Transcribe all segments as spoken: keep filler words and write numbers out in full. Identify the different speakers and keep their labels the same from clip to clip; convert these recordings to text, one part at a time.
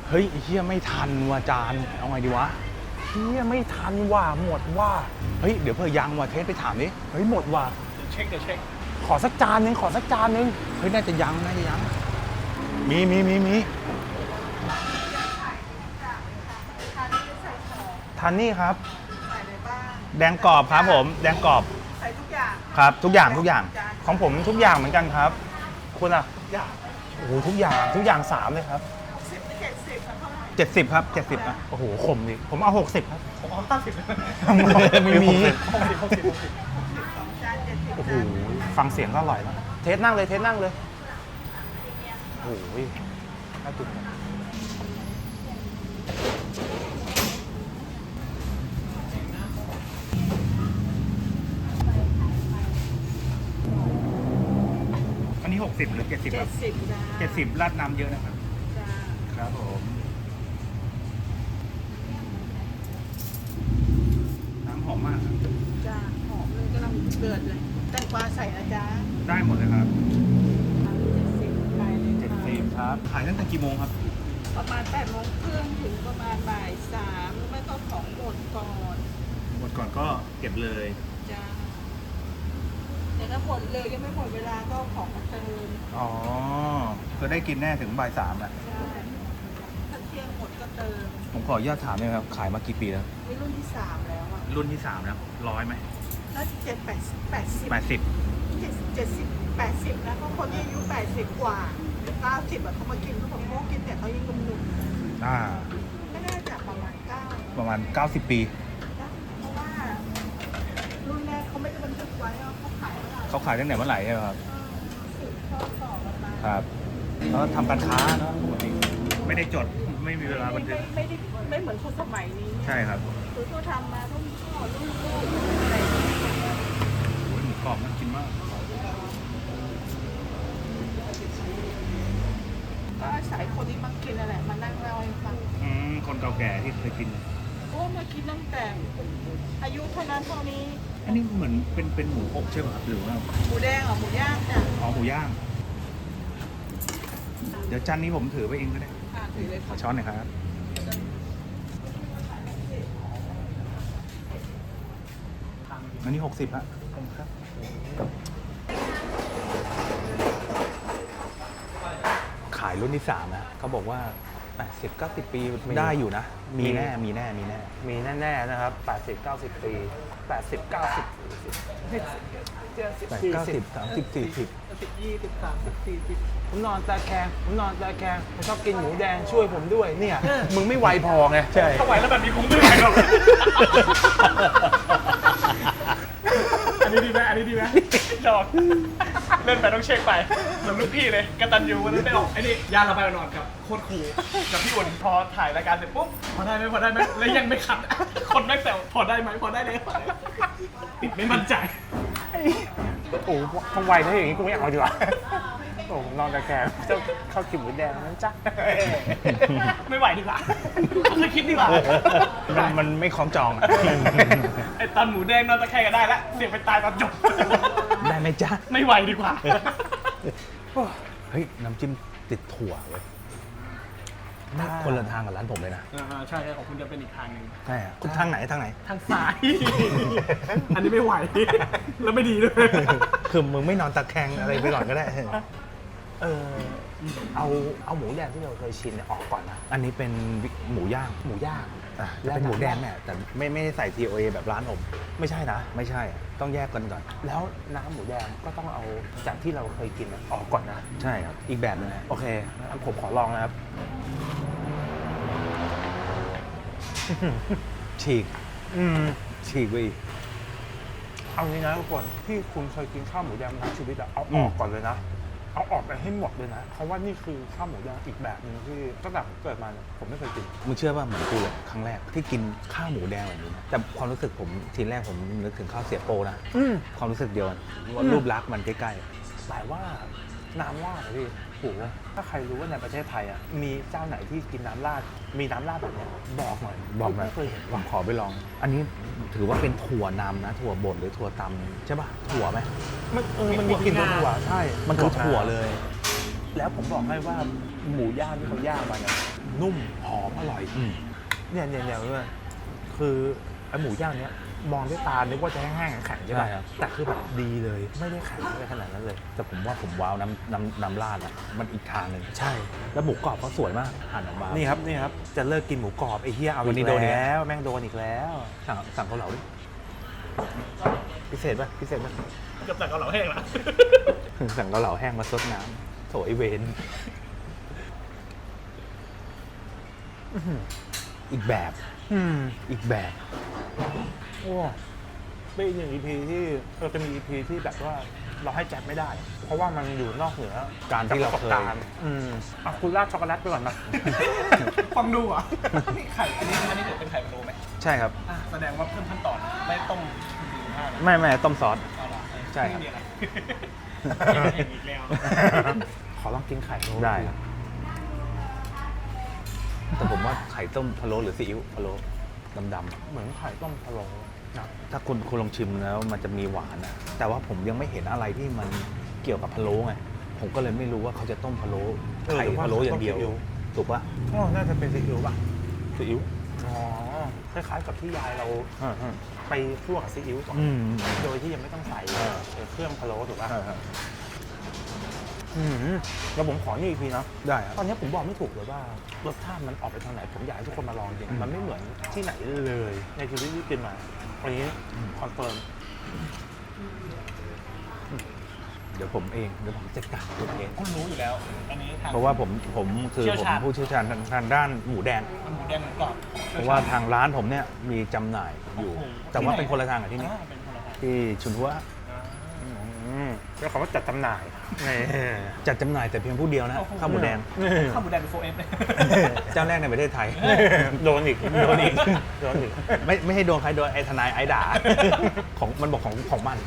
Speaker 1: เฮ้ยเฮียไม่ทันว่ะจานเอาไงดีวะ
Speaker 2: เฮียไม่ทันว่ะหมดว่ะ
Speaker 1: เฮ้ยเดี๋ยวเพื่อยังว่ะเทสไปถามดิ
Speaker 2: เฮ้ยหมดว่ะ
Speaker 3: เช็คเดี๋ยวเช็ค
Speaker 2: ขอสักจานนึงขอสักจานนึง
Speaker 1: เฮ้ยน่าจะยังน่าจะยังมีมีมีมี
Speaker 2: ทันนี่ครับ
Speaker 4: ใส่อะไรบ้าง
Speaker 1: แดงกรอบครับผมแดงกรอบ
Speaker 4: ใส่ทุกอย่าง
Speaker 1: ครับทุกอย่างทุกอย่าง
Speaker 4: จาน
Speaker 2: ของผมทุกอย่างเหมือนกันครับ คุณอ่ะ
Speaker 4: อย่าง
Speaker 2: โอ้โหทุกอย่างทุกอย่างสามเลยครับ
Speaker 4: หกสิบเจ็ดสิบเท่าไหร่
Speaker 1: เจ็ดสิบครับเจ็ดสิบอ่ะ
Speaker 2: โอ้โหขมดิผมเอาหกสิบครับ
Speaker 3: ผมเอาห้าสิบ
Speaker 1: ไม่มี
Speaker 3: หกสิบหกสิบหกสิบ
Speaker 4: สองจานเจ็ดสิบ
Speaker 2: โอ้โห
Speaker 4: จาน
Speaker 2: ฟังเสียงก็อร่อยแล้วเทสนั่งเลยเทสนั่งเลยโอ้โหน่ากินจัง
Speaker 1: อันนี้หกสิบหรือเจ็ดสิบค
Speaker 4: เจ็
Speaker 1: รั
Speaker 4: ด
Speaker 1: บ
Speaker 4: สิบจาน
Speaker 1: เจ็ดสิบราดน้ำเยอะนะครับ
Speaker 4: จาน
Speaker 1: ครับผมน้ำหอมมากครับ
Speaker 4: จานหอมเลยกำลังเดือดเลยแตงกวาใส่นะจ๊ะ
Speaker 1: ได้หมดเลยครับ
Speaker 4: เจ็ดสิบไปเลย
Speaker 1: เจ็ด
Speaker 4: ค่ะ
Speaker 1: สิบครับขายตั้งแต่กี่โมงครับ
Speaker 4: ประมาณแปดโมงครึ่งถึงประมาณบ่ายสามหรือไม่ก็ของหมดก่อน
Speaker 1: หมดก่อนก็เก็บเลย
Speaker 4: จ้าแต่ถ้าหมดเลยยังไม่หมดเวลาก็เอาของมาเติม
Speaker 1: อ๋อก็ได้กินแน่ถึงบ่ายสามแหละ
Speaker 4: ใช่ถ้าเที่ยงหมดก็เติม
Speaker 1: ผมขออนุญาตถามเลยครับขายมากี่ปีแล้ว
Speaker 4: นี่รุ่นที่สามแล้วอ่ะ
Speaker 1: รุ่นที่สามแล้วร้อยไหม
Speaker 4: น่าจะเจ็ดแปดแปดสิบ
Speaker 1: แปดสิบ
Speaker 4: เจ็ดเจ็ดสิบแปดสิบนะเพราะคนที่อายุแปดสิบกว่าเก้าสิบอะเขามากินเขาบอกโม้กินแต่เขายังหนุ่ม
Speaker 1: อ่า
Speaker 4: ๆไม่น่าจะประมาณเก้า
Speaker 1: ประมาณเก้าสิบปี
Speaker 4: นะเพราะว่ารุ่นแรกเขาไม่ได้บันทึกไว้ว่าเขาขายเท่าไหร่
Speaker 1: เขาขายตั้งแต่เมื่อไหร่ใช่ไหมครับ
Speaker 4: เออสืบทอดต่อกันมา
Speaker 1: ครับแล้วทำการค้าเนอะปกติไม่ได้จดไม่มีเวลาบันทึก
Speaker 4: ไม่ได้ไม่เหมือนคนสมัยนี้
Speaker 1: ใช่ครับ
Speaker 4: คือเขาทำมารุ่นพ่อรุ่นลูกอะไรอย่างเงี้ย
Speaker 1: โอ้ยหมูกรอบน่ากินมาก
Speaker 4: ก็อาศัยคนที่มากินนั่นแหละมานั่งเล่าให้ฟัง
Speaker 1: อืมคนเก่าแก่ที่เคยกิน
Speaker 4: โอ้มากินตั้งแต่อายุเท่านั้นเท่านี้
Speaker 1: อันนี้เหมือนเป็นเป็นหมูอบใช่ไหมครับหรือว่า
Speaker 4: หมูแดงเหรอหมูย่างจ้ะ
Speaker 1: อ๋อหมูย่าง เดี๋ยวจานนี้ผมถือไปเองก็ได้
Speaker 4: อ่าถือเลย
Speaker 1: ขอ
Speaker 4: ค่ะ
Speaker 1: ช้อนหน่อยครับ อันนี้หกสิบฮะครับ ขายรุ่นที่สามนะเขาบอกว่าแปดสิบ เก้าสิบปีได้อยู่นะ มีแน่ มีแน่ มีแน่
Speaker 2: มีแน่ๆนะครับแปดสิบ เก้าสิบปีแปดสิบ เก้าสิบ
Speaker 1: แปดเก้าสิบสามสิบสี่สิบ
Speaker 4: สิบยี่สิบสามสิบสี่สิบ
Speaker 2: ผมนอนตาแคงผมนอนตาแคงผมชอบกินหมูแดงช่วยผมด้วยเนี่ยมึงไม่ไวพอไงใช่
Speaker 3: ถ้าไหวแล้วแบบนี้คงไม่ไหวหรอกอันนี้ดีไหมอันนี้ดีไหมดอกเล่นไปต้องเช็คไปเหมือนลูกพี่เลยกตันยูวันนั้นไปออกไอ้นี่ยาระบายนอนกับโคตรคูลกับพี่อุ่นพอถ่ายรายการเสร็จปุ๊บพอได้ไหมพอได้ไหมแล้วยังไม่ขัดคนแม่งแซวพอได้ไหมพอได้เลยติดไม่มั่นใจ
Speaker 2: โอ้ทำไวถ้าอย่างนี้กูไม่เอาดีกว่าโอ้นอนตาแคงเจ้าข้าวกินหมูแดงนั้นจ้ะ
Speaker 3: ไม่ไหวดีกว่าเคยคิดดีกว่า
Speaker 1: มันมันไม่คล้องจองอะ
Speaker 3: ไอ้ตอนหมูแดงนอนตะแคงก็ได้แล้วเสียงไปตายตอนจบ
Speaker 1: ได้ไหมจ๊ะ
Speaker 3: ไม่ไหวดีกว่า
Speaker 1: เฮ้ย น้ำจิ้มติดถั่วเว้ยไม่คนละทางกับร้านผมเลยนะ
Speaker 3: อ่าใช่ของคุณจะเป็นอีกทางหนึ่ง
Speaker 1: ใช่อะคุณทางไหนทางไหน
Speaker 3: ทางซ้าย อันนี้ไม่ไหว แล้วไม่ดีด้วย
Speaker 1: คือมึงไม่นอนตะแคงอะไรไปก่อนก็ได้
Speaker 2: เออเอาเอาหมูแดงที่เราเคยชินเนี่ยออกก่อนนะ
Speaker 1: อันนี้เป็นหมูย่าง
Speaker 2: หมูย่าง
Speaker 1: อ่ะ
Speaker 2: แล้ว
Speaker 1: เป็นหมูแดง
Speaker 2: น้ำ
Speaker 1: เนี่ยแต่ไม่ไม่ได้ใส่ ที โอ เอ แบบร้านผม
Speaker 2: ไม่ใช่นะ
Speaker 1: ไม่ใช่อะต้องแยกกันก่อน
Speaker 2: แล้วน้ำหมูแดงก็ต้องเอาจากที่เราเคยกินอะออกก่อนนะ
Speaker 1: ใช่ครับ อีกแบบหนึงนะ
Speaker 2: โอเคงั้นผมขอลองนะครับ
Speaker 1: ฉีก
Speaker 2: อืม
Speaker 1: ฉีกไปอีก
Speaker 2: เอางี้นะทุกคนที่คุณเคยกินข้าวหมูแดงมาทั้งชีวิตอะเอา
Speaker 1: อื
Speaker 2: อ
Speaker 1: ม
Speaker 2: อกก่อนเลยนะ เอาออกไปให้หมดเลยนะ เพราะว่านี่คือข้าวหมูแดงอีกแบบหนึงที่ตั้งแต่ผมเกิดมาเนี่ยผมไม่เคยกิน
Speaker 1: มึงเชื่อว่าเหมือนกูเลยครั้งแรกที่กินข้าวหมูแดงแบบนี้นะแต่ความรู้สึกผมทีแรกผมนึกถึงข้าวเสียโปนะ
Speaker 2: อืม
Speaker 1: ความรู้สึกเดียวกันว่า
Speaker 2: อืม
Speaker 1: รูปลักษณ์มันใกล้
Speaker 2: แต่ว่าน้ำราดอะพี่โหถ้าใครรู้ว่าในประเทศไทยอะมีเจ้าไหนที่กินน้ำราด มีน้ำราดแบบเนี้ยบอกหน่อย
Speaker 1: ๆ บอกหนะ
Speaker 2: ไม่เคยเห็น
Speaker 1: ผม
Speaker 2: ว่ะ
Speaker 1: ขอไปลอง อันนี้ถือว่าเป็นถั่วนำนะ ถั่วบดหรือถั่วตำใช่ป่ะถั่วไหม
Speaker 2: มันเออมันมีกลิ่นถั่วใช่
Speaker 1: มันคือถั่วเลย
Speaker 2: แล้วผมบอกให้ว่าหมูย่างที่เขาย่างมาเนี่ยหนุ่มหอมอร่อย
Speaker 1: อืม
Speaker 2: เนี่ยเนี่ยเนี่ยเนี่ยคือไอหมูย่างเนี้ยมองด้วยตานึกว่าจะแห้งๆแข็งๆใช่ไหม
Speaker 1: ใช่ครับ
Speaker 2: แต่คือแบบดีเลยไม่ได้แข็งอะไรขนาดนั้นเลย
Speaker 1: แต่ผมว่าผมว้าวน้ำน้ำน้ำราดอ่ะมันอีกทางหนึ่ง
Speaker 2: ใช่
Speaker 1: แล้วหมูกรอบเขาสวยมากหั่นออกมา
Speaker 2: นี่ครับนี่ครับจะเลิกกินหมูกรอบไอ้เหี้ยเอา
Speaker 1: วันนี้
Speaker 2: อีก
Speaker 1: โดนอีก
Speaker 2: แล้วแม่งโดนอีกแล้ว
Speaker 1: สั่งสั่งเกาเหลาดิ
Speaker 2: พิเศษป่ะพิเศษป่ะ
Speaker 3: เกับแต่เกาเหลาแห้งละ
Speaker 1: สั่งเกาเหลาแห้งมาซดน้ำโถไอเวน
Speaker 2: อื้อหือ
Speaker 1: อีกแบบ
Speaker 2: อืม
Speaker 1: อีกแบบ
Speaker 2: โอ้เป็นอีกหนึ่ง อี พี ที่เราจะมี อี พี ที่แบบว่าเราให้แจ็คไม่ได้ เพราะว่ามันอยู่นอกเหนือ
Speaker 1: การที่เรา
Speaker 2: ประส
Speaker 1: เค
Speaker 2: บ
Speaker 1: ย
Speaker 2: การณ์อืมอ่ะคุณราดช็อกโกแลตไปก่อนนะ
Speaker 3: ฟังดูอ่ะนี่ไข่อันนี้อันนี้เดี๋ยวเป็นไข่พะโล้ไหม
Speaker 1: ใช่ครับ
Speaker 3: อ่ะแสดงว่าเพิ่มขั้นตอนไม่ต้มถึงห้านะ
Speaker 1: ไม่ไม่ต้มซอส
Speaker 3: เอาล่ะ
Speaker 1: ใช่ครับ
Speaker 3: นี่เดียวนะอีกแล้ว
Speaker 2: ขอลองกินไข่โร
Speaker 1: ได้ครับแต่ผมว่าไข่ต้มพะโล้หรือซีอิ๊วพะโล้ดำๆ
Speaker 2: เหมือนไข่ต้มพะโล้นะ
Speaker 1: ถ้าคุณคุณลองชิมแล้วมันจะมีหวานนะแต่ว่าผมยังไม่เห็นอะไรที่มันเกี่ยวกับพะโล้ไงผมก็เลยไม่รู้ว่าเขาจะต้มพะโล้ไข่พะโล้อย่างเดียวถูกปะ
Speaker 2: อ๋อน่าจะเป็นซีอิ๊วป่ะ
Speaker 1: ซีอิ๊ว
Speaker 2: อ๋อคล้ายๆกับที่ยายเราไปคั่วกับซีอิ๊วก่อน
Speaker 1: อืม
Speaker 2: โดยที่ยังไม่ต้องใส่เอ่อเครื่องพะโล้ถูกป่ะ
Speaker 1: ใช่ครับ
Speaker 2: อืมแล้วผมขอนี่อีกทีนะ
Speaker 1: ได้ครับ
Speaker 2: ตอนนี้ผมบอกไม่ถูกเลยว่ารสชาติมันออกไปทางไหนผมอยากให้ทุกคนมาลองจริง
Speaker 1: อืม
Speaker 2: มันไม่เหมือนที่ไหนเลยในชีวิตที่กินมาอันนี้คอนเฟิร์ม
Speaker 1: เดี๋ยวผมเองเดี๋ยวผมจัดการตัวเอง
Speaker 3: คุณรู้อยู่แล้ว อันนี้ทาง
Speaker 1: เพราะว่าผมผมคือ
Speaker 3: เชี่ยว
Speaker 1: ผม
Speaker 3: ชาญ
Speaker 1: ผู้เชี่ยวชาญทางทางด้านหมูแดง
Speaker 3: มันหมูแดงหมูกรอบ
Speaker 1: เพราะว่าทางร้านผมเนี่ยมีจำหน่ายอยู่
Speaker 3: โอ้โห
Speaker 1: แต่ว่าเป็นคนละทางกับที่นี่
Speaker 3: อ่าเป็นคนละทาง
Speaker 1: ที่ชุนหัว
Speaker 2: อืมแล้วเขาก็จัดจำหน่ายนี่
Speaker 1: จัดจำหน่ายแต่เพียงผู้เดียวนะ
Speaker 3: โอ้โห
Speaker 1: ข้าวหมูแดง
Speaker 3: ข้าวหมูแดงเป็นโฟเอฟเลย
Speaker 1: เจ้าแรกในประเทศไทย
Speaker 2: โดนอีก
Speaker 1: โดนอีก
Speaker 2: โดนอีก
Speaker 1: ไม่ไม่ให้โดนใครโดนไอ้ทนายไอ้ด่า ของมันบอกของของมัน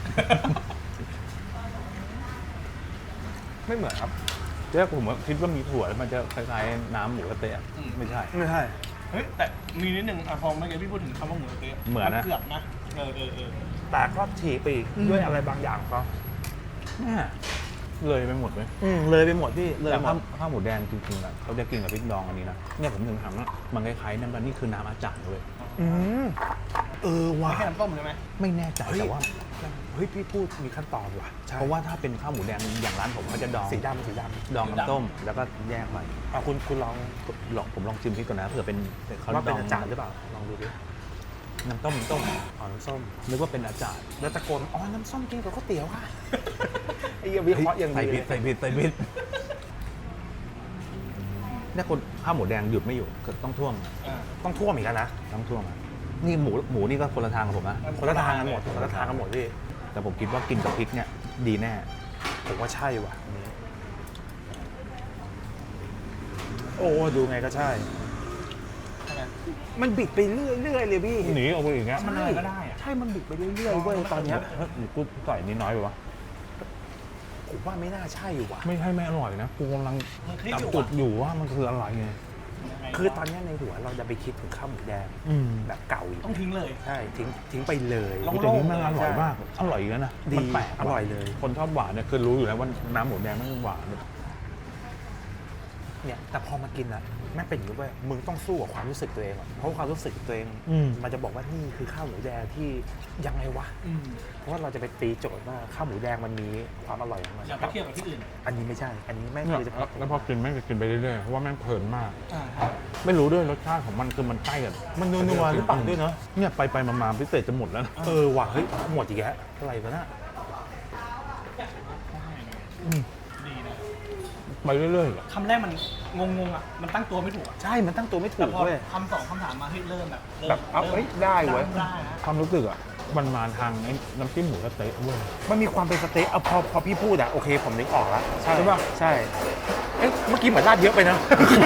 Speaker 2: ไม่เหมือนครับ
Speaker 1: เจ้าผมคิดว่ามีถั่วแล้วมันจะคล้ายๆน้ำหมูกระเตะ
Speaker 3: อืม
Speaker 1: ไม่ใช่
Speaker 2: ไม่ใช่
Speaker 3: เฮ้ยแต่มีนิดนึงอ่ะพอเมื่อกี้พี่พูดถึงคำว่าหมูสะเต๊ะ
Speaker 1: เหมือนนะ
Speaker 3: เกือบนะเออเออเออ
Speaker 2: แต่ก็ฉีกไปอีก
Speaker 1: อืม
Speaker 2: ด้วยอะไรบางอย่างเขา
Speaker 1: แม่เลยไปหมดเลย
Speaker 2: อืมเลยไปหมดพี่เลย
Speaker 1: แต่
Speaker 2: หม
Speaker 1: ข้า
Speaker 2: ด
Speaker 1: วข้าวหมูแดงจริงๆอ่ะเขาจะกินกับพริกดองอันนี้นะเนี่ยผมถึงถามว่ามันคล้ายๆน้ำมันนี่คือน้ำอาจารย์เลย
Speaker 2: อืมเออว่ะ
Speaker 3: ไม่ใช่น้ำต้มใช่ไหม
Speaker 1: ไม่แน่ใจ
Speaker 2: เฮ้ย
Speaker 1: แต่ว่า
Speaker 2: เฮ้ยพี่พูดมีขั้นตอนว่ะใช่
Speaker 1: เพราะว่าถ้าเป็นข้าวหมูแดงอย่างร้านผมเขาจะดอง
Speaker 2: สีดำสีด
Speaker 1: ดองน้ำต้ม แล้วก็แยกไป
Speaker 2: ำอ่ะคุณคุณลอง
Speaker 1: ลองผมลองชิมพริกก่อนนะเผื่อเป็นเขา
Speaker 2: ว่าเป็น
Speaker 1: ดง
Speaker 2: อาจารย์หรือเปล่าลองดูดิ
Speaker 1: น้ำต้มน้ำต้ม
Speaker 2: อ๋อน้ำส้ม
Speaker 1: นึกว่าเป็นอาจารย์
Speaker 2: แล้วตะโกนอ๋อน้ำส้มกินกับข้าวเตี๋ยวค่ะ ไอ้เหี้ยวิเคราะห์อย่าง
Speaker 1: ใส่
Speaker 2: ดี
Speaker 1: ผิดใส่ผิดใส่ผิดเนี่ยคนข้าวหมูแดงหยุดไม่อยู่ก็ต้องท่วง
Speaker 3: อ่า
Speaker 2: ต้องท่วมอีกแล้วนะ
Speaker 1: ต้องท่วงอะนี่หมูหมูนี่ก็คนละทางกับผมนะ
Speaker 2: คนละทางกันหมดคนละทางกันหมดพี่
Speaker 1: แต่ผมคิดว่ากินกับพริกเนี่ยดีแน่
Speaker 2: ผมว่าใช่ว่ะอันนี้โอ้ดูไงก็ใช่
Speaker 3: ใช่ไหม
Speaker 2: มันบิดไปเรื่อยๆเลยพี่
Speaker 1: หนีออกไปอีกแล้ว
Speaker 3: มันอะไรก็ได้อะ
Speaker 2: ใช่ มันบิดไปเรื่อยๆเว้ยตอนเนี้ย
Speaker 1: กูใส่นิดน้อยไปวะ
Speaker 2: ผมว่าไม่น่าใช่ว่ะ
Speaker 1: ไม่ใช่ไม่อร่อยนะกูกำลัง
Speaker 3: มันคลิกอยู่
Speaker 1: จุ
Speaker 3: อะ
Speaker 1: ดอยู่ว่ามันคืออะไรไง
Speaker 3: ยังไง
Speaker 2: คือตอนเนี้ยในหัวเราจะไปคิดถึงข้าวหมูแดง
Speaker 1: อืม
Speaker 2: แบบเก่าอีก
Speaker 3: ต้องทิ้งเลย
Speaker 2: ใช่ทิ้งทิ้งไปเลย
Speaker 3: ลอง
Speaker 1: แต่นี้มันอร่อยมากอร่อยอีกแล้วนะ
Speaker 2: ดี
Speaker 1: มันแปลก
Speaker 2: อร่อยเลย
Speaker 1: คนชอบหวานเนี่ยคือรู้อยู่แล้วว่าน้ำหมูแดงมันหวาน
Speaker 2: เนี่ยแต่พอมากินอะแม่งเป็นอย่างนี้เว้ยมึงต้องสู้กับความรู้สึกตัวเองอะเพราะความรู้สึกตัวเอง
Speaker 1: อืม
Speaker 2: มันจะบอกว่านี่คือข้าวหมูแดงที่ยังไงวะ
Speaker 3: อืม
Speaker 2: เพราะว่าเราจะไปตีโจทย์ว่าข้าวหมูแดงมันมีความอร่อยของมัน
Speaker 3: อย่าไปเทียบกับที่อื่น
Speaker 2: อันนี้ไม่ใช่ อันนี้แม่ง
Speaker 1: เนี่ย
Speaker 2: คือเฉพาะ
Speaker 1: แล้วพอกินแม่งจะกินไปเรื่อยๆเพราะว่าแม่งเพลินมาก
Speaker 3: อ่าครับ
Speaker 1: ไม่รู้ด้วยรสชาติของมันคือมันใกล้กับ
Speaker 2: มันนัวๆหรือเปล่าด้วยเนาะ
Speaker 1: เนี่ยไปไปๆมาๆพิเศษจะหมดแล้วนะ
Speaker 2: เออว่ะเฮ้ยหมดอีกแล้วอะไรวะน่ะ
Speaker 1: อืม
Speaker 3: ดีนะ
Speaker 1: ไปเรื่อยๆอะ
Speaker 3: คำแรกมันงงๆอ่ะ มันตั้งตัวไม่ถูกอ่ะ
Speaker 2: ใช่มันตั้งตัวไม่ถู
Speaker 3: แต่
Speaker 2: ก
Speaker 3: พอ
Speaker 2: เว้ย
Speaker 3: คำสองคำถามมาเฮ้ยเริ่มแบบริ่ม
Speaker 2: แบบเอาเฮ้ยได้เว้ย
Speaker 3: ได้นะ
Speaker 1: ความรู้สึกอ่ะมันมาทางไอ้น้ำจิ้มหมูกระเต๊ะเว้ย
Speaker 2: มันมีความเป็นสเต็กเอาพอพอพี่พูดอะโอเคผมนึกออกแล้วใช่
Speaker 1: ใช่ปะ
Speaker 2: ใช่เอ๊ะเมื่อกี้เหมือนราดเยอะไปนะ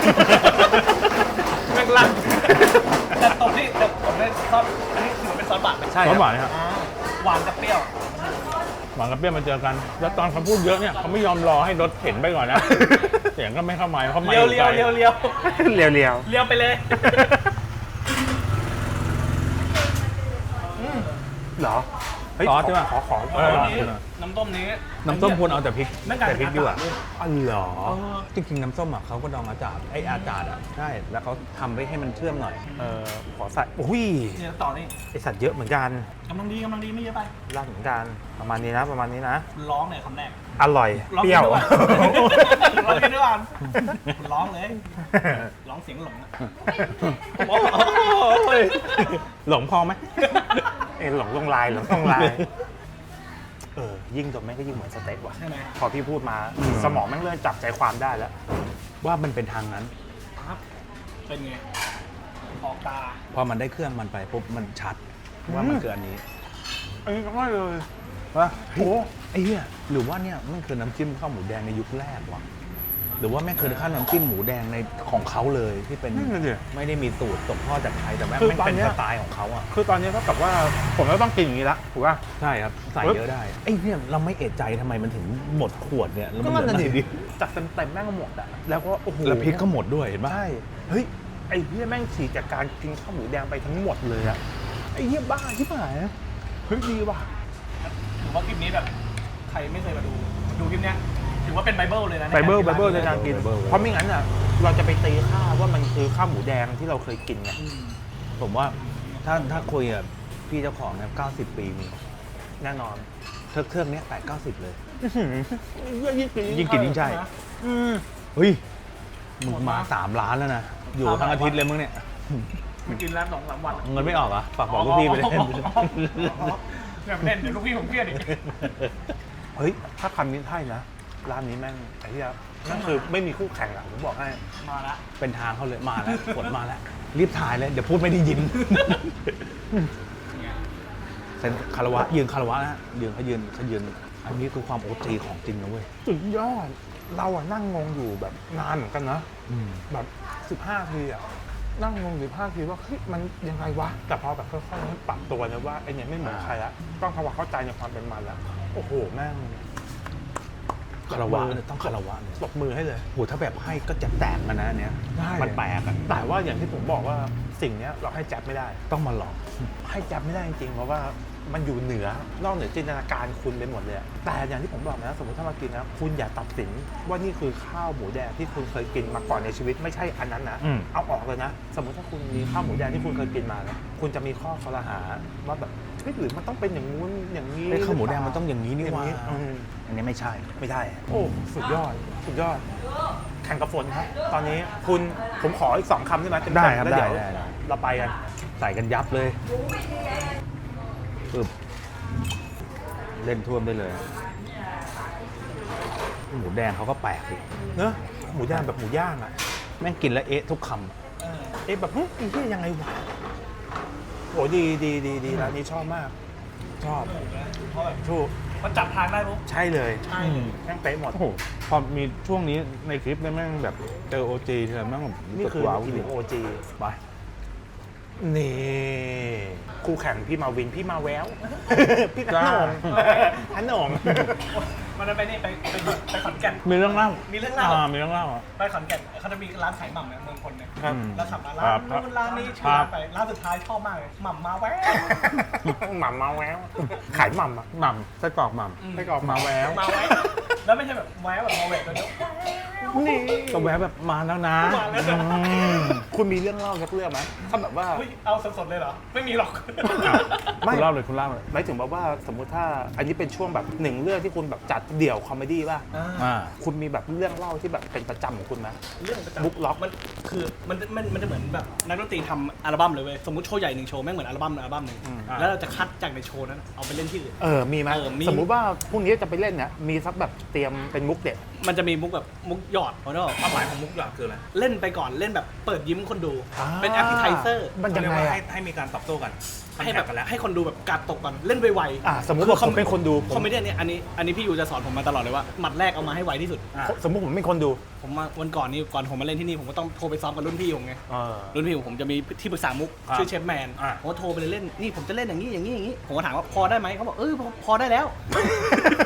Speaker 3: แม่งลั่นแต่ตรงที่แต่ผมได้ซอสอันนี้ถือว่าเป็นซอสบาทไหม
Speaker 2: ใช่
Speaker 1: ซอสหวานครับ
Speaker 3: อ่าหวานกับเปรี้ยว
Speaker 1: หวานกับเปรี้ยวมาเจอกัน แล้วตอนเขาพูดเยอะเนี่ยเขาไม่ยอมรอให้รถเข็นไปก่อนนะ เสียงก็ไม่เข้าไมค์เข้าไมค์
Speaker 3: เลียวเลียวเลียวเลียว
Speaker 2: เรียวเรียว
Speaker 3: เลียวไปเลย
Speaker 2: เหรอเฮ้ย
Speaker 1: ซอสใช่ปะ
Speaker 2: ขอขอขอ
Speaker 1: เออ
Speaker 3: น้ำต้มนี้น้ำต้มนี้
Speaker 1: น้ำส้มควรเอาแต่พริก
Speaker 3: นั่นกลาย
Speaker 1: แต่
Speaker 3: เป็น
Speaker 1: พริกดีกว่า
Speaker 3: อากาศเลย
Speaker 1: อ๋อเหรอ
Speaker 3: เออ
Speaker 1: จริงๆน้ำส้มอ่ะเขาก็ดองอาจารย์ไออาจารย์อ่ะใช่แล้วเขาทำไปให้มันเชื่อมหน่อย
Speaker 2: เออขอใส่อุ้ย
Speaker 3: เนี่ยต่อนี่
Speaker 2: ไอสัตว์เยอะเหมือนกัน
Speaker 3: กำลังดีกำลังดีไม่เยอะไป
Speaker 2: ร้านเหมือนกันประมาณนี้นะประมาณนี้นะ
Speaker 3: ร้องเนี่ยคำแรก
Speaker 2: อร่อย
Speaker 3: ร้อง
Speaker 2: เปรี้ยว
Speaker 3: ด้วยร้องด้วยกันร้องเลย ร้องเสียงหลงอะ
Speaker 1: หลงพอไหม
Speaker 2: เอ็นหลงลงลายหลงลงลายเออยิ่งดมแม่งก็ยิ่งเหมือนสเต็กว่ะ
Speaker 3: ใช่ไหม
Speaker 2: พอพี่พูดมา
Speaker 1: อืม
Speaker 2: สมองแม่งเริ่มจับใจความได้แล้ว
Speaker 1: ว่ามันเป็นทางนั้น
Speaker 3: ครับเป็นไงออกตา
Speaker 1: พอมันได้เครื่องมันไปปุ๊บมันชัดว่ามันคืออันนี้
Speaker 2: อันนี้ก็ไม่เลย
Speaker 1: ว่า
Speaker 2: โอ้
Speaker 1: ไอ้เหี้ยหรือว่าเนี่ยมันคือน้ำจิ้มข้าวหมูแดงในยุคแรกวะหรือว่าแม่งคือข้าวน้ำจิ้มหมูแดงในของเขาเลยที่เป็น
Speaker 2: นั่นเลย
Speaker 1: ไม่ได้มีสูตรตกทอดจากใครแต่แม่ง
Speaker 2: คือ
Speaker 1: แม่ง
Speaker 2: ตอน
Speaker 1: เป็น
Speaker 2: เนี้ย
Speaker 1: สไตล์ของเขาอ่ะ
Speaker 2: คือตอนนี้เท่ากับว่าผมก็ต้องกินอย่างนี้ละถูกป่ะ
Speaker 1: ใช่ครับใส่เยอะได้ไอ้เนี่ยเราไม่เอะใจทำไมมันถึงหมดขวดเนี่ยแล้ว
Speaker 2: ก็
Speaker 1: มัน
Speaker 2: นั่น
Speaker 1: เห
Speaker 2: น่ะ
Speaker 1: ลือ
Speaker 2: ดิ
Speaker 1: ดิ
Speaker 2: จัดเต็มเต็มๆแม่งก็หมดอ่ะแล้วก็โอ้โห
Speaker 1: แล้วพริกก็หมดด้วยเห็นปะ
Speaker 2: ใช่เฮ้ยไอ้เหี้ยแม่งฉีกจากการกินข้าวหมูแดงไปทั้งหมดเลยอะไอ้เหี้ยบ้าที่ไหนเฮ้ยดีว่ะ
Speaker 3: ถือว่าคลิปนี้แบบใครไม่เคยมาดูดูคลิปเนี้ยถือว่าเป็นไบเบิลเลยนะ
Speaker 2: ไบเบิล
Speaker 3: ใน
Speaker 2: ไบ
Speaker 3: การ
Speaker 2: เบิล
Speaker 3: กิ
Speaker 2: ใน
Speaker 3: น
Speaker 2: การกิน
Speaker 1: ไบเบิล
Speaker 2: เพราะไม่งั้นอ่ะเราจะไปตีค่าว่ามันคือข้าวหมูแดงที่เราเคยกินไง
Speaker 3: อืม
Speaker 1: ผมว่าถ้าถ้าคุยกับพี่เจ้าของเนี่ยเก้าสิบปีมี
Speaker 2: แน่นอน
Speaker 1: เทิร์กเทิร์กเนี้ยแปดเก้าสิบเลย
Speaker 2: ยิ่งกิน
Speaker 1: ยิ่งกินยิ่งใช่
Speaker 2: อืม
Speaker 1: เฮ้ยมึงมาสามล้านแล้วนะ อยู่ทั้งอาทิตย์เลยมึงเนี่ย
Speaker 3: มันกินแล้วสองสามวัน
Speaker 1: เงินไม่ออกเหรอ่ะฝากบอกลูกพี่ไปเลย
Speaker 3: อย่าไปเล่นเดี๋ยวลูกพี่ผมเครียดอีก
Speaker 2: เฮ้ยถ้าคำนี้ใช่นะร้านนี้แม่งไอ้เหี้ยนั่นคือไม่มีคู่แข่งอ่ะผมบอกให้
Speaker 3: มาละ
Speaker 1: เป็นทางเขาเลยมาแล้วกดมาแล้ว รีบถ่ายเลย เดี๋ยวพูดไม่ได้ยิน
Speaker 3: เนี่ย
Speaker 1: เซ็นคารวะยืนคารวะนะยืนเขายืนเขายืนอันนี้คือความโอจีของจริงนะเว้ย
Speaker 2: สุดยอดเราอะนั่งงงอยู่แบบนานเหมือนกันนะ
Speaker 1: อืม
Speaker 2: แบบสิบห้าทีอะนั่งงงสิบห้าทีว่าเฮ้ยมันยังไงวะแต่พอแบบค่อยๆปรับตัวนะว่าไอเนี่ยไม่เหมือนใครละต้องทำความเข้าใจในความเป็นมันละโอ้โหแม่ง
Speaker 1: คารวะเนี่ยต้องคารวะเนี่ย
Speaker 2: ปรบมือให้เลย
Speaker 1: โหถ้าแบบให้ก็จะแตกมันนะอันเนี้ย
Speaker 2: ได้
Speaker 1: มันแปลกอะ
Speaker 2: แต่ว่าอย่างที่ผมบอกว่าสิ่งเนี้ยเราให้แจ๊บไม่ได้
Speaker 1: ต้องมาหลอก
Speaker 2: ให้แจ๊บไม่ได้จริงๆเพราะว่ามันอยู่เหนือนอกเหนือจินตนาการคุณไปหมดเลยอะแต่อย่างที่ผมบอกนะสมมติถ้ามากินนะคุณอย่าตัดสินว่านี่คือข้าวหมูแดงที่คุณเคยกินมาก่อนในชีวิตไม่ใช่อันนั้นนะ
Speaker 1: อืม
Speaker 2: เอาออกเลยนะ สมมติถ้าคุณมีข้าวหมูแดงที่คุณเคยกินมานะคุณจะมีข้อคอรหาว่าแบบเฮ้ยหรือมันต้องเป็นอย่างงู้นอย่างนี้
Speaker 1: ไอ้ข้าวหมูแดงมันต้องอย่างนี้นี่
Speaker 2: อย่าง
Speaker 1: ว่า
Speaker 2: นี้อืม
Speaker 1: อันนี้ไม่ใช่
Speaker 2: ไม่ได้ โอ้สุดยอดสุดยอด แข่งกับฝนครับ ตอนนี้คุณผมขออีกสองคำได้ไหมเต็มๆ
Speaker 1: ได้ครับ
Speaker 2: แล้วเดี๋ยว
Speaker 1: ได้ได้ได้
Speaker 2: เราไปกัน
Speaker 1: ใส่กันยับเลยปึ๊บเล่นท่วมได้เลย หมูแดงเขาก็แปลกดิ
Speaker 2: เนอะหมูย่างแบบหมูย่างอ่ะ
Speaker 1: แม่งกินแล้วเอ๊ะทุกคำอะ
Speaker 3: เออ
Speaker 2: เอ๊ะแบบเฮ้ยไอ้เหี้ยยังไงวะโอ้ดีดีดีดีร้านนี้ชอบมาก ชอบ
Speaker 3: เพราะแบบ
Speaker 2: ชู
Speaker 3: มันจับทางได้ปุ๊บ
Speaker 2: ใช่เลย
Speaker 3: ใช่
Speaker 2: แม่งเป๊ะหมด
Speaker 1: โอ้โหพอมีช่วงนี้ในคลิปเนี่ยแม่งแบบเจอโอจีเธอแม่งแบบ
Speaker 2: นี่คือ
Speaker 1: ว้าว
Speaker 2: อีลิโอจี
Speaker 1: ไป
Speaker 2: นี่คู่แข่งพี่มาวินพี่มาแวว พี่ขนมขนม
Speaker 3: มันจะไปนี่ไปไปไปขอนแก่น
Speaker 1: มีเรื่องเล่า
Speaker 3: มี
Speaker 1: มี
Speaker 3: เรื่องเล่า
Speaker 1: มีเรื่องเล่าอ่ะ
Speaker 3: ไปขอนแก่นเขาจะมีร้านขายหม่ำเนี่ยเมืองคนเนี่ย
Speaker 2: ครับ
Speaker 3: แล้วขับมา
Speaker 1: ครั
Speaker 3: ร้าน
Speaker 1: บครับ
Speaker 3: นู้นร้านนี้ชื่อ
Speaker 1: ครั
Speaker 3: ร้า
Speaker 1: บ
Speaker 3: นไปร้านสุดท้ายชอบมากเลยหม่ำมาแวว
Speaker 2: หม่ำมาแววขายหม่ำอ่ะ
Speaker 1: หม่ำไส้กรอกหม่ำ
Speaker 2: ไส้กรอกมาแวว
Speaker 3: มาแววแล้วไม่ใช่แบบแววแบบมาแววตัวเดียว
Speaker 2: นี่
Speaker 1: ก็แวะแบบมาแล้วนะ
Speaker 3: มาแล้วนะ
Speaker 1: อืม
Speaker 2: คุณมีเรื่องเล่าสักเรื่องไหมถ้าแบบว่า
Speaker 3: เฮ้ยเอาสดๆเลยเหรอ ไม่มีหรอก
Speaker 2: ไม่
Speaker 1: คุณเล่าเลยคุณเล่าเลย
Speaker 2: หมายถึงแบบว่าสมมุติถ้าอันนี้เป็นช่วงแบบหนึ่งเรื่องที่คุณแบบจัดเดี่ยวคอมเมดี้ป่ะ
Speaker 1: อ่า
Speaker 2: คุณมีแบบเรื่องเล่าที่แบบเป็นประจำของคุณไหม
Speaker 3: เรื่องประจำ
Speaker 2: บุ๊กล็อก
Speaker 3: มันคือมันมันมันจะเหมือนแบบนักดนตรีทำอัลบั้มเลยเว้ยสมมติโชว์ใหญ่หนึ่งโชว์แม่งเหมือนอัลบั้มอัลบั้มหนึ่ง
Speaker 2: อืม
Speaker 3: แล้วเราจะคัดจากในโชว์นั้นเอาไปเล่นที่อื่น
Speaker 2: เออมีไหม
Speaker 3: เออมี
Speaker 2: สมมุติว่าพรุ่งนี้จะไปเล่นเนี่ยมีสักแบบเตรียมเป็นมุกเด็ด
Speaker 3: มันจะมีมุกแบบมุกหยอดเพราะว่าความหมายของมุกหยอดคืออะไรเล่นไปก่อนเล่นแบบเปิดยิ้มคนดู
Speaker 2: อ่า
Speaker 3: เป็นแอปเปิลไทเซอร์
Speaker 2: มันยังไงอะ
Speaker 1: ให้มีการตอบโต้กัน
Speaker 3: ให้แบบให้คนดูแบบกัดตกก่อนเล่นไวๆ
Speaker 2: อ่ะสมมุติว่าผมเป็นคนดูผม
Speaker 3: คอมเมดี้เนี่ยอันนี้อันนี้พี่ยูจะสอนผมมาตลอดเลยว่าหมัดแรกเอามาให้ไวที่สุด
Speaker 1: อ่ะ
Speaker 2: สมมุติผมเป็นคนดู
Speaker 3: ผมมาวันก่อนนี้ก่อนผมมาเล่นที่นี่ผมก็ต้องโทรไปซ้อมกับรุ่นพี่ผมไง
Speaker 2: เออ
Speaker 3: รุ่นพี่ผมจะมีที่ปรึกษามุก
Speaker 1: อ่ะ
Speaker 3: ชื่อเชฟแมน
Speaker 1: อ่ะ
Speaker 3: ผมก็โทรไปเลยเล่นนี่ผมจะเล่นอย่างนี้อย่างนี้อย่างนี้ผมก็ถามว่าพอได้ไหมเขาบอกเออพอพอได้แล้ว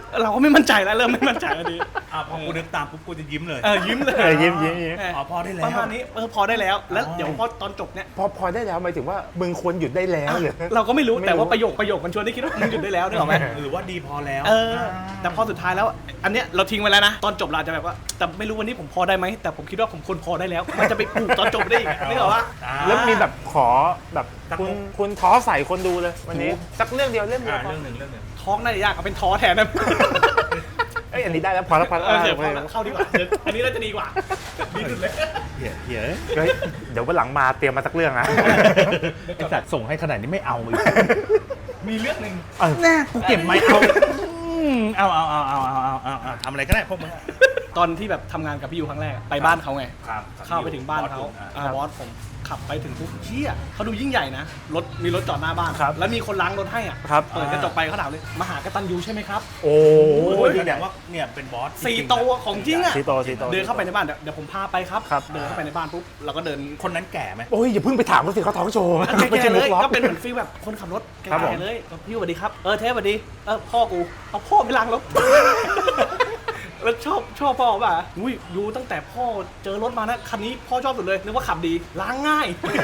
Speaker 3: เราก็ไม่มั่นใจแล้วเริ่มไม่มั่นใจแล้วดี
Speaker 1: อ่ะพอกูนึกตามปุ๊บกูจะยิ้มเลย
Speaker 3: เออยิ้มเลย
Speaker 2: เออยิ้มยิ้มยิ้ม
Speaker 3: เ
Speaker 1: อ๋อพอได้แล้ว
Speaker 3: ประมาณนี้เออพอได้แล้วแล้ว
Speaker 1: อ๋อ
Speaker 3: เดี๋ยวพอตอนจบเนี่ย
Speaker 2: พอพอได้แล้วหมายถึงว่ามึงควรหยุดได้แล้วหรือ
Speaker 3: เราก็ไม่รู้
Speaker 2: ไม่รู้
Speaker 3: แต่ว่าประโยคประโยคมันชวนได้คิดว่ามึงหยุดได้แล้วนึกออกไหม
Speaker 1: หรือว่าดีพอแล้ว
Speaker 3: เออแต่พอสุดท้ายแล้ว อันเนี้ยเราทิ้งไว้แล้วนะตอนจบเราอาจจะแบบว่าแต่ไม่รู้วันนี้ผมพอได้ไหมแต่ผมคิดว่าผมควรพอได้แล้วมันจะไปผูกตอนจบได้อีกนึกออกปะ
Speaker 1: อ่า
Speaker 2: แล้วมีแบบขอแบบ
Speaker 1: สัก
Speaker 2: คุณ
Speaker 1: มุก
Speaker 2: คุณท้อใส่คนดูเลยวันนี้สักเรื่องเดียวเรื่องเดียว
Speaker 1: อ่า
Speaker 2: พอ
Speaker 1: เรื่องหนึ่งเรื่องหนึ่ง
Speaker 3: ท้องน่าจะยากเอาเป็นท้อแทนนะ
Speaker 2: เอ้ยอันนี้ได้แล้วพอแล้วพอแล้ว
Speaker 3: เออเดี๋ยว
Speaker 2: โอ
Speaker 3: พ
Speaker 2: เค
Speaker 3: อแล้วเข้าดีกว่าเดี๋ยวอันนี้น่าจะดีกว่าดีสุดเลย
Speaker 1: เหี้ยเหี้ย
Speaker 2: เฮ้ยเดี๋ยววันหลังมาเตรียมมาสักเรื่องนะ
Speaker 1: ไอสัตว์ส่งให้ขนาดนี้ไม่เอาอีก
Speaker 3: มีเรื่องหนึ่ง
Speaker 1: แน่กูเก็บไม่เอาเอาเอาเอาเอาเอาเอาเอาเอาทำอะไรก็ได้พวกมึง
Speaker 3: ตอนที่แบบทำงานกับพี่ยูครั้งแรกอะไปบ้านเขาไง
Speaker 1: ครับ
Speaker 3: เข้าไปถึงบ้านเขาอ่าบอสผมขับไปถึงปุ๊บเชี่ยเขาดูยิ่งใหญ่นะรถมีรถจอดหน้าบ้าน
Speaker 2: ครับ
Speaker 3: แล้วมีคนล้างรถให้อ่ะ
Speaker 2: ครับ
Speaker 3: เปิดกระจกไปเขาถามเลยมาหากตันยูใช่ไหมครับ
Speaker 2: โอ้
Speaker 1: โอ้ย
Speaker 2: ย
Speaker 1: แสดงว่าเนี่ยเป็นบอส
Speaker 3: สี่โตวของจริงอ่ะ
Speaker 2: สี่โตสี่โต
Speaker 3: เดินเข้าไปในบ้านเดี๋ยวเดี๋ยวผมพาไปครับ
Speaker 2: ครับ
Speaker 3: เดินเข้าไปในบ้านปุ๊บเราก็เดิน
Speaker 1: คนนั้นแก่ไหม
Speaker 2: โอ้ยอย่าเพิ่งไปถามเขาสิเขาท้องโชว์
Speaker 3: แก่ๆเลย
Speaker 2: มุก
Speaker 3: ก็เป็นเหมือนฟีลแบบคนขับรถแก่
Speaker 2: ครับผม
Speaker 3: ๆเลยพี่สวัสดีครับเออเทปสวัสดีเออพ่อกูเอาพ่อไปล้างรถ แล้วชอบชอบพ่อป่ะอุ้ยดูตั้งแต่พ่อเจอรถมานะคันนี้พ่อชอบสุดเลยนึกว่าขับดีล้างง่าย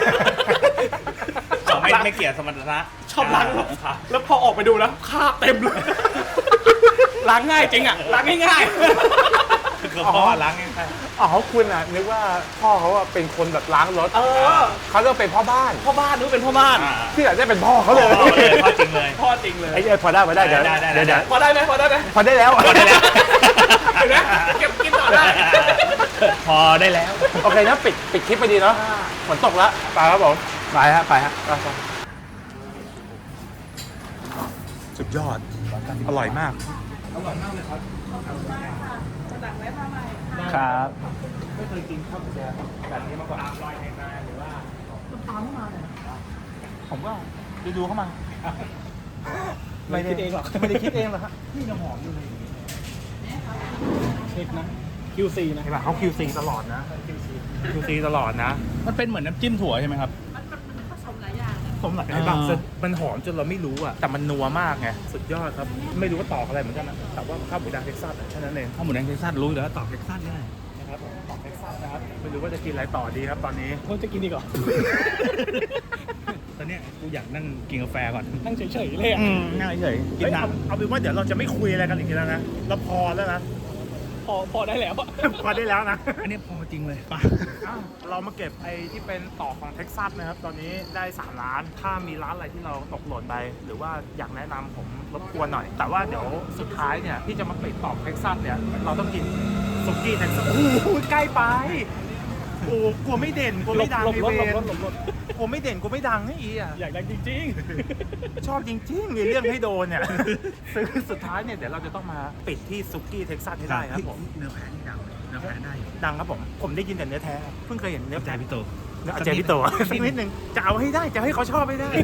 Speaker 1: อ๋อไม่ไม่เกี่ยวสมรรถนะ
Speaker 3: ชอบล้างรถ
Speaker 1: ครับ
Speaker 3: แล้วพอออกไปดูนะคราบเต็มเลย ล้างง่ายจริงอ่ะล้างง่าย
Speaker 1: คือพ่อล้างไง
Speaker 2: อ๋อคุณอ่ะนึกว่าพ่อเขาอะเป็นคนแบบล้างรถ
Speaker 3: ๆเออ
Speaker 2: เขาต้องเป็นพ่อบ้าน
Speaker 3: พ่อบ้านนึกว่าเป็นพ่อบ้าน
Speaker 1: อ่า
Speaker 2: ที่อาจจะเป็นพ่อเขาเลย
Speaker 1: พ่อเลยพ่อจริงเลย
Speaker 3: พ่อจริงเลย
Speaker 2: ไอ้เอ้ยพอได้พอได้เดี๋ยว
Speaker 1: ได้ได้ได้
Speaker 2: เดี๋ยวเดี๋ยว
Speaker 3: พอได้ไหมพอได้ไหม
Speaker 2: พอได้แล้ว
Speaker 1: พอได้แล้ว
Speaker 3: เห็นไหมเก็บกินต่อได้
Speaker 1: พอได้แล้ว
Speaker 2: โอเคนะปิดปิดคลิปไปดีเนาะฝนตกแล้วไปครับผมไปฮะไปฮะไปครับสุดยอดอร่อยมาก
Speaker 1: ครับ
Speaker 3: ไม่เคยกินข้าวหมูแดงแบบนี้มาก่อนลอยในนาหรือว่า
Speaker 2: ผมก็ดูดูเข้ามา
Speaker 3: ไม่ได้คิดเองหรอก
Speaker 2: ไม่ได้คิดเองหรอกครับ
Speaker 3: นี่น้ำหอมอยู่เลยเช็คนะ คิว ซี นะ
Speaker 2: เห็นป่ะเขา คิว ซี ตลอดนะ คิว ซี ตลอดนะ
Speaker 1: มันเป็นเหมือนน้ำจิ้มถั่วใช่ไหมครับ
Speaker 2: สมหลายเห็นป่ะ
Speaker 1: อ่า
Speaker 2: มันหอมจนเราไม่รู้อ่ะแต่มันนัวมากไงสุดยอดครับ ไม่รู้ว่าตอกอะไรเหมือนกันนะแต่ว่าข้าวหมูแดงเท็กซัสอะแค่นั้นเอง
Speaker 1: ข้าวหมูแดงเท็กซัสรู้อยู่แล้วตอบเท็กซัสง่าย
Speaker 2: นะครับผมตอกเท็กซัสนะครับไม่รู้ว่าจะกินอะไรต่อดีครับตอนนี้
Speaker 3: คนจะกินดีกว่า
Speaker 1: ตอนเนี้ยกูอยากนั่งกินกาแฟก่อน
Speaker 3: นั่งเฉยๆเลยอะ
Speaker 1: อืมนั่งเฉยๆกิน
Speaker 2: เฮ้ย
Speaker 1: น้
Speaker 2: เอาเอาเป็นว่าเดี๋ยวเราจะไม่คุยอะไรกันอีกแล้วนะเราพอแล้วนะ
Speaker 3: พอพอได้แล้วอะ
Speaker 2: พอได้แล้วนะ
Speaker 1: ำอันนี้พอจริงเลยป่ะ
Speaker 2: อ้าวเรามาเก็บไอ้ที่เป็นต่อของเท็กซัสนะครับ ตอนนี้ได้สามล้าน ถ้ามีร้านอะไรที่เราตกหล่นไป หรือว่าอยากแนะนำผมรบกวนหน่อย แต่ว่าเดี๋ยวสุดท้ายเนี่ยที่จะมาปิดต่อเท็กซัสเนี่ยเราต้องกินสุกี้เท็กซัสโอ้โหใกล้ไปโอ้กลัวไม่เด่นกลัว
Speaker 3: หล
Speaker 2: ไม่
Speaker 3: บ
Speaker 2: ดัง
Speaker 3: หลบ
Speaker 2: ไอ
Speaker 3: รถ
Speaker 2: เว
Speaker 3: หลบ
Speaker 2: ร
Speaker 3: รถหลบรถ
Speaker 2: กลัวไม่เด่นกลัวไม่ดังให้อีอ่ะ
Speaker 3: อยากดังจริง
Speaker 2: ชอบจริงๆมีเรื่องให้โดนเนี่ย ซึ่งสุดท้ายเนี่ยเดี๋ยวเราจะต้องมาปิดที่สุกี้เท็กซัสให้ได้ครับผม
Speaker 1: เนื้อแพ้นี่ดังเนื้อแพ้ได้อยู่
Speaker 2: ดังครับผม ผมได้ยินแต่เนื้อแท้ เพิ่งเคยเห็นเนื้อ
Speaker 1: ใจ
Speaker 2: แท้
Speaker 1: พี่โต
Speaker 2: เนื้ออาจารย์พี่โตสักนิดนึงจะเอาให้ได้ จะให้เขาชอบให้ได้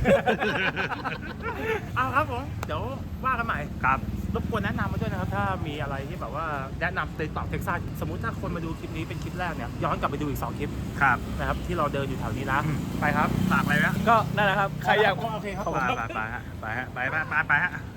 Speaker 2: เอาครับผม เดี๋ยวว่ากันใหม่ครับรบกวนแนะนำมาด้วยนะครับ ถ้ามีอะไรที่แบบว่าแนะนำในต่อเท็กซัสสมมุติถ้าคนมาดูคลิปนี้เป็นคลิปแรกเนี่ยย้อนกลับไปดูอีกสองคลิป
Speaker 1: ครับ
Speaker 2: นะครับที่เราเดินอยู่แถวนี้นะ ไปครับ
Speaker 1: ฝากอะไรนะ
Speaker 3: ก็นั่นแหละครับ ใครอยาก
Speaker 2: โอเคครับ
Speaker 1: ไปไปไปฮะไปฮะไปไปไปไปฮะ